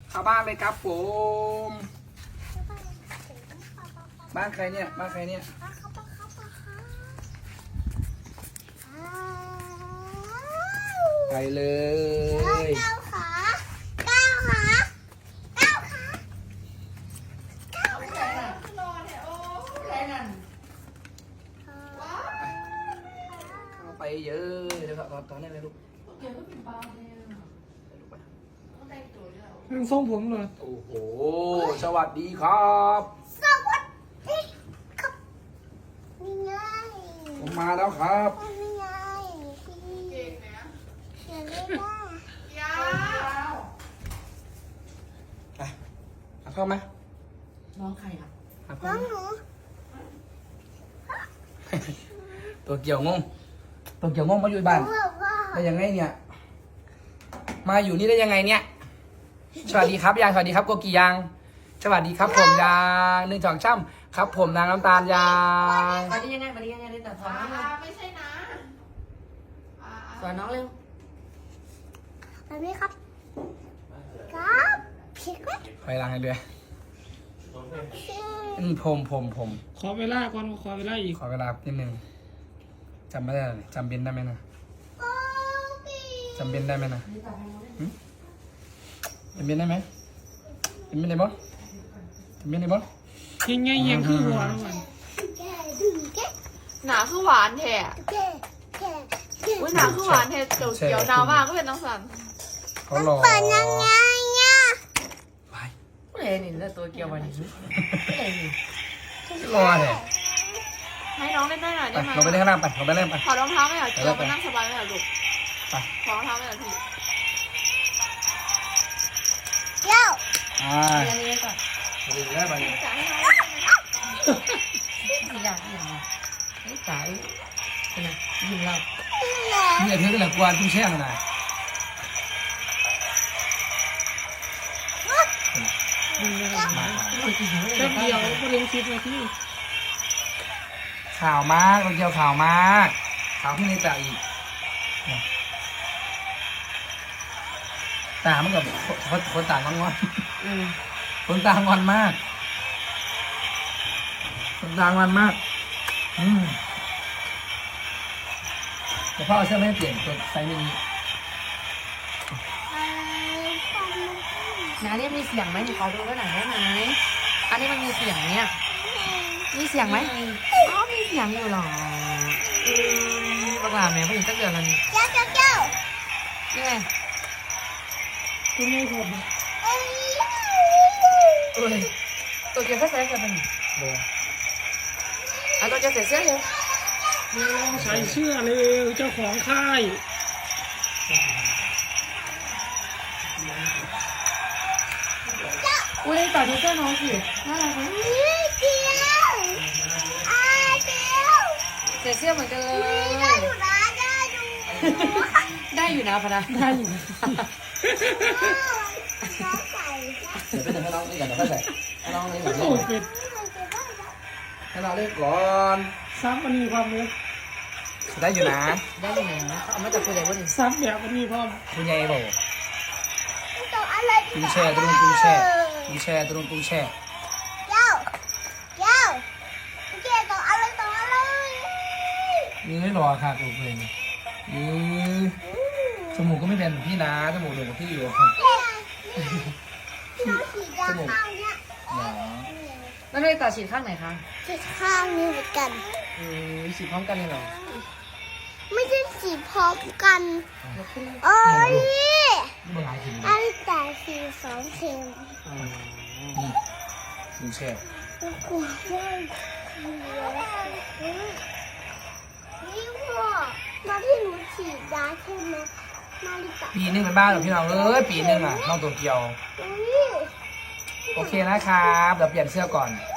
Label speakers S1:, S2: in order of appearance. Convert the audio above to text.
S1: เข้าบ้านเลยครับผมบ้านใครเนี่ยบ้านใครเนี่ยไปเลย
S2: ก้าวขาก้าวขาก้าวขา
S1: เข้าไปเยอะเดี๋ยวครับตอนนี้เลยลูก
S3: มันทรงผมเลย
S1: โอ้โหสวัสดีครับ
S2: สวัสดีครับนี่ไง
S1: ผมมาแล้วครับ
S2: นี่ไงเก่งนะเก่งไม่ได้
S1: ไปหาพ่อไหม
S3: น้องใครอ่ะ
S1: หาพ่อ
S2: น้อง
S1: ไหม
S2: หนู
S1: ตัวเกี่ยวงงตัวเกี่ยวงงมาอยู่บ้าน
S2: บอกว่า
S1: ได้ยังไงเนี่ย มาอยู่นี่ได้ยังไงเนี่ย สวัสดีครับยางสวัสดีครับโกกียางสวัสดีครับผมยางหนึ่งสองช่ำครับผมนางน้ำตาลยาง
S3: วันนี้ยังไงได้แต่สอนน้องเร็ว
S4: ไม่ใช่นะ
S3: สอนน้องเร็ว
S2: แบบนี้ครับครับพี่ครับ
S1: คอยล้างให้ด้วยผม
S3: ขอเวลาก่อนขอเวลาอีก
S1: ขอเวลานิดนึงจำไม่ได้เลยจำเบนได้ไหมนะ
S2: โอ้พี่
S1: จำเบนได้ไหมนะจำเบนได้ไหมจำเบนได้บ่จำเบนได้บ่
S3: ยังไงยังคือหัวน้องมัน
S2: แกดึงแก
S4: หนาคือหวานแท้
S2: แกแกแก
S4: อุ้ยหนาคือหวานแท้เขียวๆหนาวมากก็เป็นน้องสัน
S1: เขารอ
S2: เปิดยังไงเนี่ย
S1: ไป
S3: ผู้ใดนี่แล้วตัวเกี่ยววันนี้ผู้ใดนี่
S1: รอเลย
S4: ให้น้องเล่นได้หน่อย
S1: ไป
S4: ได้ไหม
S1: เราไปเล่นข้างล่างไปเราไปเล่นไป
S4: ถอดรองเท้าไม่เหรอเกียวมานั่งสบายไม่เหรอลูก
S1: ไป
S4: ถอดรองเท้าไม่เหรอพี่
S2: เดี๋ยว
S3: อันนี้ก่อน
S1: ไปเล่นไป
S4: จะให้น้อง
S3: อยากอย่างไรไอ้สายนะยิงเรา
S1: นี่เธอเป็นหลักกวนตุ้งแช่งนะ
S3: ยิงเราแป๊บเดียวก็เรียนคิดมาที่
S1: ข่าวมากเราเกี่ยวข่าวมากข่าวที่นี่แต่อีกตามันกับคนต่างงอนคนต่างงอนมากคนต่างงอนมากแต่พ่อเอาเสื้อไม่ให้เปลี่ยนตัวไซส์มินิ
S3: นาเรียกมีเสียงไหมหนูขอดูด้วยหน่อยได้ไหมอันนี้มันมีเสียงเนี่ยมีเสียงไหมอ๋อมีเสียงอยู่หรอประกาศไหมผู้หญิงสักเดือนละนี่
S2: เจ้าเจ้าเจ้า
S3: นี่ไงคุณไม่ถูก
S2: เอ้ย
S3: ตัวเกี่ยวกับใส่กันเป็น
S1: โดน
S3: เอาตัวเกี่ยวใส่เสื้อเลย
S5: ใส่เสื้อเลยเจ้าของค่าย
S3: อุ้ยต่อดูเสื้อน้องสิน่ารักไหม
S2: เฮ้ยเดี๋ยวเดี๋ยว
S3: ใส่เสื้อเหมือนกันเลย
S2: ได้อยู่นะได้อยู่
S3: ได้อยู่นะพนะได้อยู่นะ
S2: น้องใส่
S1: เดี๋ยวไปให้น้องนี่ก่อนเดี๋ยวค่อยใส่ให้น้องนี่ก่อน
S5: โอ้เป็ด
S1: ให้น้องเล่นก่อน
S5: ซับมันมีความเล็ก
S1: ได้อยู่นะ
S3: ได้อยู่นะเอามาจากคุณใหญ่พอดี
S5: ซับแบบมันมีความ
S1: คุณยายบอก
S2: ตัวอะไร
S1: กุ้งแช่ตัวนู้นกุ้งแช่กุ้งแช่ตัวนู้นกุ้งแช่
S2: เจ้าเจ้าเจ้าตัวอะไรตัวอะไร
S1: นี่ไม่รอค่ะตัวเพลงนี่จมูกก็ไม่เป็นเหมือนพี่นะจมูกเหมือนพี่อยู่ครับ
S2: น้องสีดำข้างเนี้ย
S3: แล้วไม่ได้ต่อฉีดข้างไหนคะ
S2: สีข้างนี้เหมือนกัน
S3: ฉีดพร้อมกันเลยเหรอ
S2: ไม่ใช่สีพร้อมกันเอ้ย
S1: นี่มันหลายถึง
S2: อันแต่สีสองเข็ม
S1: นี่กุ้งแช่
S2: กลัวมากนี่พ่อมาที่หนูฉีดยาใช่ไหมมาลิตา
S1: ปีนึงเป็นบ้านเหรอพี่น้องปีนึงอ่ะน้องตัวเกียว
S2: อุ้ย
S1: โอเคนะครับเดี๋ยวเปลี่ยนเสื้อก่อน
S2: เ